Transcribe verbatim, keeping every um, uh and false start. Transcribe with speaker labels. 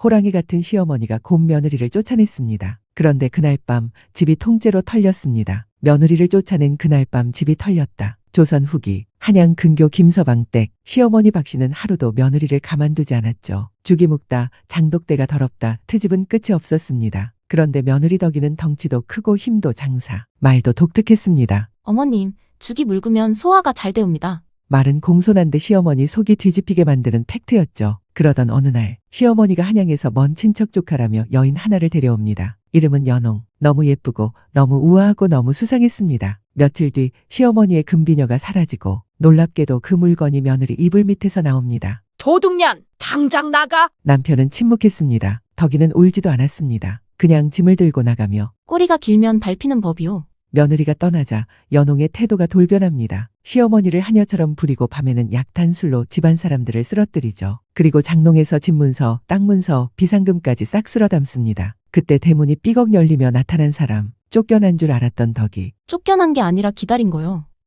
Speaker 1: 호랑이 같은 시어머니가 곧 며느리를 쫓아냈습니다. 그런데 그날 밤 집이 통째로 털렸습니다. 며느리를 쫓아낸 그날 밤 집이 털렸다. 조선 후기 한양 근교 김서방 댁 시어머니 박씨는 하루도 며느리를 가만두지 않았죠. 죽이 묵다 장독대가 더럽다 트집은 끝이 없었습니다. 그런데 며느리 덕이는 덩치도 크고 힘도 장사, 말도 독특했습니다.
Speaker 2: 어머님, 죽이 묽으면 소화가 잘 되옵니다.
Speaker 1: 말은 공손한데 시어머니 속이 뒤집히게 만드는 팩트였죠. 그러던 어느 날 시어머니가 한양에서 먼 친척 조카라며 여인 하나를 데려옵니다. 이름은 연홍. 너무 예쁘고 너무 우아하고 너무 수상했습니다. 며칠 뒤 시어머니의 금비녀가 사라지고 놀랍게도 그 물건이 며느리 이불 밑에서 나옵니다.
Speaker 3: 도둑년, 당장 나가!
Speaker 1: 남편은 침묵했습니다. 덕이는 울지도 않았습니다. 그냥 짐을 들고 나가며
Speaker 2: 꼬리가 길면 밟히는 법이요.
Speaker 1: 며느리가 떠나자 연홍의 태도가 돌변합니다. 시어머니를 하녀처럼 부리고 밤에는 약탄술로 집안 사람들을 쓰러뜨리죠. 그리고 장롱에서 집문서, 땅 문서, 비상금까지 싹 쓸어 담습니다. 그때 대문이 삐걱 열리며 나타난 사람, 쫓겨난 줄 알았던 덕이
Speaker 2: 쫓겨난 게 아니라 기다린 거요.